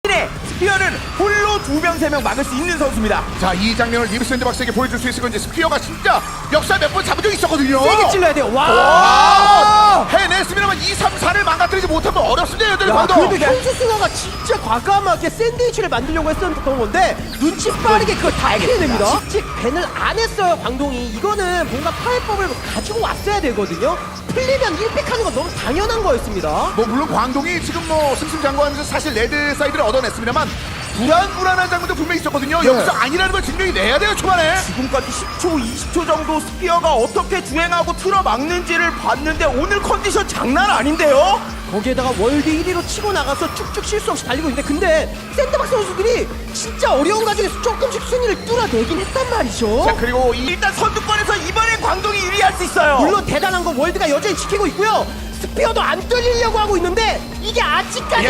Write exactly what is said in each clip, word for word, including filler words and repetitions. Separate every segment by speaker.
Speaker 1: 스피어는 홀로 두 명, 세 명 막을 수 있는 선수입니다.
Speaker 2: 자, 이 장면을 리브 샌드박스에게 보여줄 수 있을 건지. 스피어가 진짜 역사 몇 번 잡은 적이 있었거든요.
Speaker 3: 세게 찔러야 돼요. 와!
Speaker 2: 와! 해냈습니다만 이, 삼, 사를 망가뜨리지 못하면 어렵습니다. 여전히
Speaker 3: 야,
Speaker 2: 방도.
Speaker 3: 그래도 현수 승화가 진짜 과감하게 샌드위치를 만들려고 했었던 건데 눈치 빠르게 그걸 다 피해냅니다. 직직 밴을 안 했어요, 광동이. 이거는 뭔가 파해법을 가지고 왔어야 되거든요. 풀리면 일 픽하는 건 너무 당연한 거였습니다.
Speaker 2: 뭐 물론 광동이 지금 뭐 승승장구하면서 사실 레드 사이드를 얻어냈습니다만 불안불안한 장면도 분명히 있었거든요.
Speaker 3: 네.
Speaker 2: 여기서 아니라는 걸 증명이 내야 돼요, 초반에.
Speaker 1: 지금까지 십 초, 이십 초 정도 스피어가 어떻게 주행하고 틀어막는지를 봤는데 오늘 컨디션 장난 아닌데요?
Speaker 3: 거기에다가 월드 일 위로 치고 나가서 쭉쭉 실수 없이 달리고 있는데 근데 샌드박스 선수들이 진짜 어려운 과정에서 조금씩 순위를 뚫어내긴 했단 말이죠.
Speaker 2: 자, 그리고 이
Speaker 1: 일단 선두권에서 이번엔 광동이 유리할 수 있어요.
Speaker 3: 물론 대단한 건 월드가 여전히 지키고 있고요. 스피어도 안 뚫리려고 하고 있는데 이게 아직까지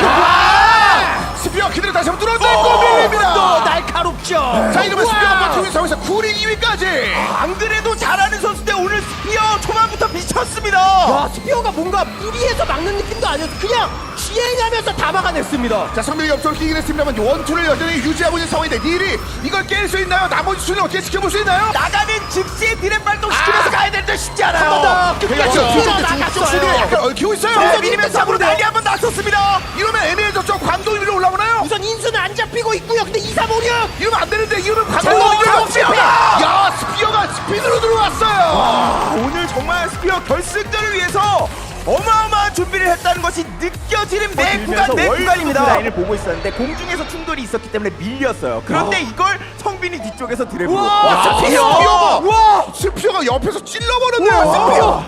Speaker 2: 야! 스피어 그대로 다시 한번 뚫어내고
Speaker 3: 또
Speaker 2: 밀립니다.
Speaker 3: 날카롭죠.
Speaker 2: 자, 이러면
Speaker 3: 우와!
Speaker 2: 스피어가 버티고 있는 상황에서 쿠링 이 위까지.
Speaker 1: 안 그래도 잘하는 선수인데 오늘 스피어 초반부터 미쳤습니다.
Speaker 3: 야, 스피어가 뭔가 무리해서 막는 느낌도 아니었어. 그냥 주행하면서 다 막아냈습니다.
Speaker 2: 자, 성명이 옆쪽으로 끼긴 했습니다만 원투를 여전히 유지하고 있는 상황인데 닐이 이걸 깰 수 있나요? 나머지 수는 어떻게 지켜볼 수 있나요?
Speaker 1: 나가는 즉시에 드랩 발동시키면서
Speaker 2: 아!
Speaker 1: 가야 되는데 쉽지
Speaker 3: 한
Speaker 1: 않아요.
Speaker 3: 번 더
Speaker 2: 그렇죠.
Speaker 3: 끝까지
Speaker 2: 뒤쪽
Speaker 3: 나갔어요.
Speaker 2: 수비 약간 얽히고 있어요.
Speaker 1: 네,
Speaker 3: 우선
Speaker 1: 미니맨
Speaker 3: 일단
Speaker 1: 잡으로
Speaker 3: 잡으면
Speaker 1: 난리 한번 났었습니다.
Speaker 2: 이러면 애매해졌죠. 광동 위로 올라오나요?
Speaker 3: 우선 인수는 안 잡히고 있고요. 근데 이, 삼, 오, 육
Speaker 2: 이러면 안 되는데 이러면 광동
Speaker 3: 잠깐만,
Speaker 2: 위로
Speaker 3: 잠깐만,
Speaker 2: 스피어가. 야, 스피어가 스피드로 들어왔어요.
Speaker 1: 아, 오늘 정말 스피어 결승전을 위해서 어마어마한 준비를 했다는 것이 느껴지는 매 구간 매 구간입니다. 라인을 보고 있었는데 공중에서 충돌이 있었기 때문에 밀렸어요. 그런데 이걸 성빈이 뒤쪽에서 드래프로.
Speaker 3: 우와,
Speaker 2: 와, 스피어!
Speaker 3: 스피어!
Speaker 2: 와, 스피어가 옆에서 찔러버렸네요.
Speaker 3: 우와,
Speaker 2: 스피어.
Speaker 3: 스피어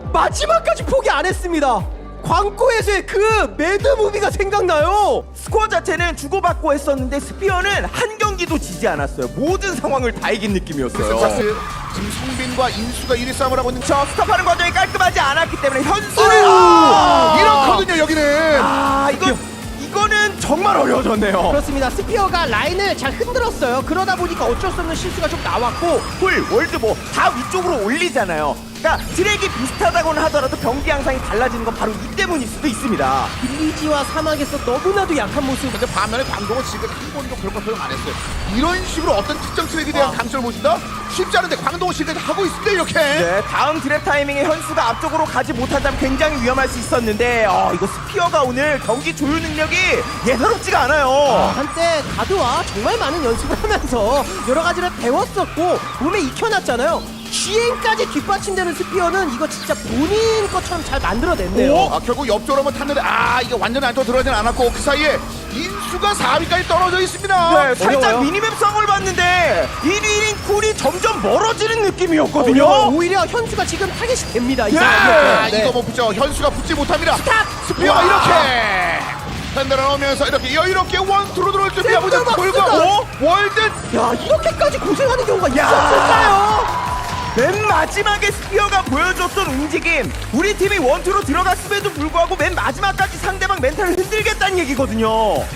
Speaker 3: 마지막까지 포기 안 했습니다. 광고에서의 그 매드 무비가 생각나요.
Speaker 1: 스코어 자체는 주고받고 했었는데 스피어는 한 경기도 지지 않았어요. 모든 상황을 다 이긴 느낌이었어요.
Speaker 2: 자, 지금 성빈과 인수가 일 위 싸움을 하고 있는
Speaker 1: 저 스탑하는 과정이 깔끔하지 않았기 때문에 현수를
Speaker 2: 아! 이렇거든요, 여기는.
Speaker 1: 아 이거 이거는 정말 어려워졌네요.
Speaker 3: 그렇습니다. 스피어가 라인을 잘 흔들었어요. 그러다 보니까 어쩔 수 없는 실수가 좀 나왔고
Speaker 1: 풀 월드 뭐 다 위쪽으로 올리잖아요. 그러니까 드랙이 비슷하다고는 하더라도 경기 양상이 달라지는 건 바로 이 때문일 수도 있습니다.
Speaker 3: 빌리지와 사막에서 너무나도 약한 모습.
Speaker 2: 근데 반면에 광동은 지금 한 번도 그런 거 소용 안 했어요. 이런 식으로 어떤 특정 트랙에 대한
Speaker 3: 아.
Speaker 2: 강점을 보신다? 쉽지 않은데 광동은 지금 하고 있습니다, 이렇게.
Speaker 1: 네, 다음 드랩 타이밍에 현수가 앞쪽으로 가지 못한다면 굉장히 위험할 수 있었는데 어, 이거 스피어가 오늘 경기 조율 능력이 예사롭지가 않아요.
Speaker 3: 한때 가드와 정말 많은 연습을 하면서 여러 가지를 배웠었고 몸에 익혀놨잖아요. 주행까지 뒷받침되는 스피어는 이거 진짜 본인 것처럼 잘 만들어냈네요.
Speaker 2: 아, 결국 옆쪽으로 한번 탔는데 아, 이게 완전 안쪽으로 들어가진 않았고 그 사이에 인수가 사 위까지 떨어져 있습니다.
Speaker 1: 네, 살짝
Speaker 3: 어려워요.
Speaker 1: 미니맵 상을 봤는데 일 위인 쿨이 점점 멀어지는 느낌이었거든요.
Speaker 3: 오히려, 오히려 현수가 지금 타겟이 됩니다. 이
Speaker 1: 예!
Speaker 2: 아,
Speaker 3: 상황에서.
Speaker 2: 이거 뭐 붙죠. 현수가 붙지 못합니다.
Speaker 3: 스탑!
Speaker 2: 스피어가
Speaker 1: 와.
Speaker 2: 이렇게 팬들을 넣으면서 이렇게 여유롭게 원투로 들어올 준비하고 있는
Speaker 3: 샌드박스가.
Speaker 2: 불과 월드.
Speaker 3: 야, 이렇게까지 고생하는 경우가 있었을까요?
Speaker 1: 맨 마지막에 스피어가 보여줬던 움직임, 우리 팀이 원투로 들어갔음에도 불구하고 맨 마지막까지 상대방 멘탈을 흔들겠다는 얘기거든요.